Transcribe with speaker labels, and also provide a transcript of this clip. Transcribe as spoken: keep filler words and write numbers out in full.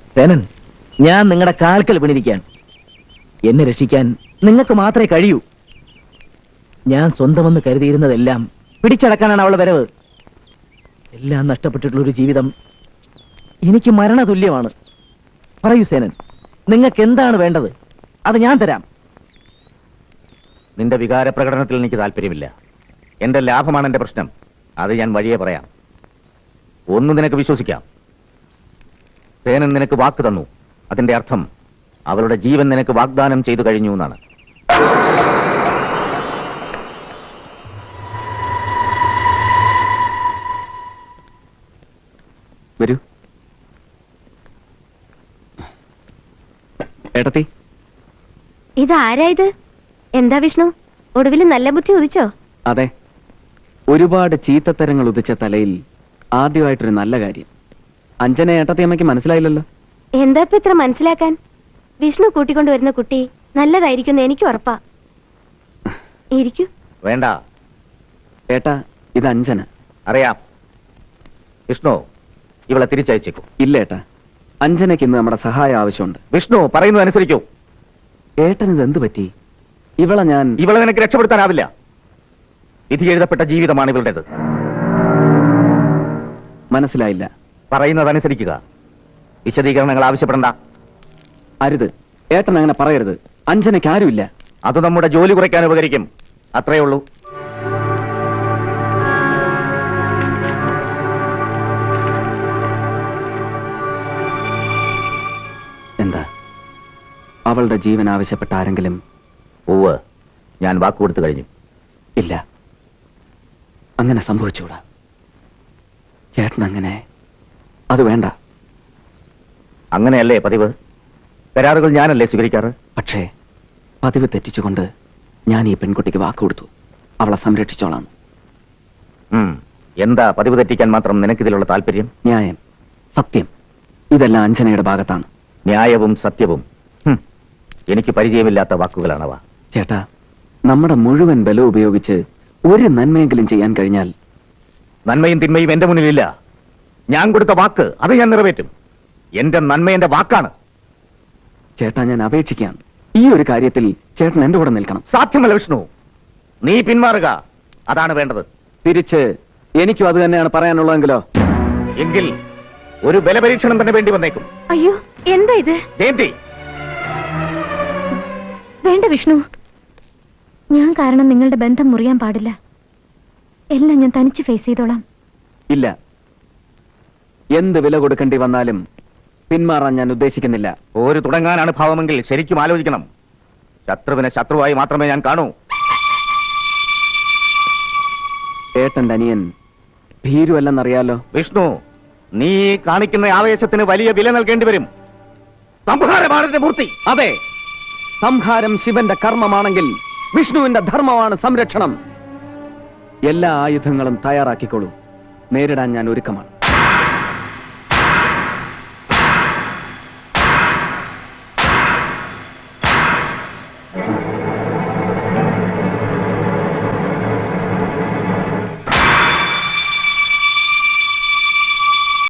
Speaker 1: സേനൻ, ഞാൻ നിങ്ങളുടെ കാൽക്കൽ വീണിരിക്കാൻ. എന്നെ രക്ഷിക്കാൻ നിങ്ങൾക്ക് മാത്രമേ കഴിയൂ. ഞാൻ സ്വന്തമെന്ന് കരുതിയിരുന്നതെല്ലാം പിടിച്ചടക്കാനാണ് അവളുടെ വരവ്. എല്ലാം നഷ്ടപ്പെട്ടിട്ടുള്ളൊരു ജീവിതം എനിക്ക് മരണതുല്യമാണ്. പറയൂ സേനൻ, നിങ്ങൾക്ക് എന്താണ് വേണ്ടത്? അത് ഞാൻ തരാം.
Speaker 2: നിന്റെ വികാര പ്രകടനത്തിൽ എനിക്ക് താല്പര്യമില്ല. എന്റെ ലാഭമാണ് എന്റെ പ്രശ്നം. അത് ഞാൻ വഴിയെ പറയാം. ഒന്ന് നിനക്ക് വിശ്വസിക്കാം, സേനൻ നിനക്ക് വാക്ക് തന്നു. അതിന്റെ അർത്ഥം അവളുടെ ജീവൻ നിനക്ക് വാഗ്ദാനം ചെയ്തു കഴിഞ്ഞു എന്നാണ്.
Speaker 3: വരൂ ഏട്ടത്തി.
Speaker 4: ഇതാരായത്? എന്താ വിഷ്ണു, ഒടുവിൽ നല്ല ബുദ്ധി ഉദിച്ചോ?
Speaker 3: അതെ, ഒരുപാട് ചീത്തത്തരങ്ങൾ ഉദിച്ച തലയിൽ ആദ്യമായിട്ടൊരു നല്ല കാര്യം. അഞ്ജന ഏട്ടത്തി അമ്മയ്ക്ക് മനസ്സിലായില്ലല്ലോ.
Speaker 4: എന്താ ഇപ്പൊ ഇത്ര മനസ്സിലാക്കാൻ? വിഷ്ണു കൂട്ടിക്കൊണ്ടുവരുന്ന കുട്ടി നല്ലതായിരിക്കും എനിക്ക് ഉറപ്പാ. ഇരിക്കൂ.
Speaker 2: വേണ്ട
Speaker 3: ഏട്ടാ, ഇത് അഞ്ജന.
Speaker 2: അറിയാം. വിഷ്ണു, ഇവളെ തിരിച്ചയച്ചേക്കൂ.
Speaker 3: ഇല്ല ഏട്ടാ, അഞ്ജനയ്ക്ക് ഇന്ന് നമ്മുടെ സഹായം ആവശ്യമുണ്ട്.
Speaker 2: വിഷ്ണു പറയുന്നത് അനുസരിക്കൂ.
Speaker 3: ഏട്ടനിത് എന്ത് പറ്റി? ഇവളെ ഞാൻ
Speaker 2: ഇവളെ നിനക്ക് രക്ഷപ്പെടുത്താനാവില്ല. വിധി എഴുതപ്പെട്ട ജീവിതമാണ് ഇവളുടേത്.
Speaker 3: മനസ്സിലായില്ല.
Speaker 2: പറയുന്നത് അനുസരിക്കുക. വിശദീകരണങ്ങൾ ആവശ്യപ്പെടണ്ട.
Speaker 3: അരുത് ഏട്ടൻ, അങ്ങനെ പറയരുത്. അഞ്ജനയ്ക്ക് ആരുമില്ല.
Speaker 2: അത് നമ്മുടെ ജോലി കുറയ്ക്കാൻ ഉപകരിക്കും. അത്രയേ ഉള്ളൂ.
Speaker 3: എന്താ, അവളുടെ ജീവൻ ആവശ്യപ്പെട്ട ആരെങ്കിലും?
Speaker 2: ഉവ്വ്, ഞാൻ വാക്കുകൊടുത്തു കഴിഞ്ഞു.
Speaker 3: ഇല്ല, അങ്ങനെ സംഭവിച്ചുകൂടാ ചേട്ടൻ. അങ്ങനെ അത് വേണ്ട.
Speaker 2: അങ്ങനെയല്ലേ പതിവ്? കരാറുകൾ ഞാനല്ലേ സ്വീകരിക്കാറ്?
Speaker 3: പക്ഷേ പതിവ് തെറ്റിച്ചുകൊണ്ട് ഞാൻ ഈ പെൺകുട്ടിക്ക് വാക്ക് കൊടുത്തു, അവളെ സംരക്ഷിച്ചോളാം.
Speaker 2: എന്താ പതിവ് തെറ്റിക്കാൻ മാത്രം നിനക്കിതിലുള്ള താല്പര്യം?
Speaker 3: ന്യായം, സത്യം, ഇതെല്ലാം അഞ്ജനയുടെ ഭാഗത്താണ്.
Speaker 2: ന്യായവും സത്യവും എനിക്ക് പരിചയമില്ലാത്ത വാക്കുകളാണവ.
Speaker 3: ചേട്ടാ, നമ്മുടെ മുഴുവൻ ബലം ഉപയോഗിച്ച് ഒരു നന്മയെങ്കിലും ചെയ്യാൻ കഴിഞ്ഞാൽ.
Speaker 2: നന്മയും തിന്മയും എന്റെ മുന്നിലില്ല. ഞാൻ കൊടുത്ത വാക്ക് അത് ഞാൻ നിറവേറ്റും. എന്റെ നന്മ എന്റെ വാക്കാണ്.
Speaker 3: ചേട്ടാ, ഞാൻ അപേക്ഷിക്കാം, ഈ ഒരു കാര്യത്തിൽ ചേട്ടൻ എന്റെ കൂടെ നിൽക്കണം.
Speaker 2: സാധ്യമല്ല വിഷ്ണു, നീ പിന്മാറുക. അതാണ് വേണ്ടത്.
Speaker 3: തിരിച്ച് എനിക്കും അത് തന്നെയാണ് പറയാനുള്ളതെങ്കിലോ?
Speaker 2: എങ്കിൽ ഒരു ബലപരീക്ഷണം തന്നെ വേണ്ടി വന്നേക്കും.
Speaker 4: അയ്യോ, എന്താ ഇത്?
Speaker 2: ജയന്തി,
Speaker 4: വേണ്ട വിഷ്ണു, ഞാൻ കാരണം നിങ്ങളുടെ ബന്ധം മുറിയാൻ പാടില്ല. എല്ലാം ഞാൻ തനിച്ച് ഫേസ് ചെയ്തോളാം.
Speaker 3: ഇല്ല, എന്ത് വില കൊടുക്കേണ്ടി വന്നാലും പിന്മാറാൻ ഞാൻ ഉദ്ദേശിക്കുന്നില്ല.
Speaker 2: ഒരു തുടങ്ങാനാണ് ഭാവമെങ്കിൽ ശരിക്കും ആലോചിക്കണം. ശത്രുവിനെ ശത്രുവായി മാത്രമേ ഞാൻ കാണൂ.
Speaker 3: ഏട്ടന്റെ അനിയൻ ഭീരുവല്ലെന്നറിയാലോ.
Speaker 2: വിഷ്ണു, നീ കാണിക്കുന്ന ആവേശത്തിന് വലിയ വില നൽകേണ്ടി വരും. സംഹാരമാണ് എന്റെ മൂർത്തി.
Speaker 3: അതെ, സംഹാരം ശിവന്റെ കർമ്മമാണെങ്കിൽ വിഷ്ണുവിന്റെ ധർമ്മമാണ് സംരക്ഷണം. എല്ലാ ആയുധങ്ങളും തയ്യാറാക്കിക്കോളൂ. നേരിടാൻ ഞാൻ ഒരുക്കമാണ്.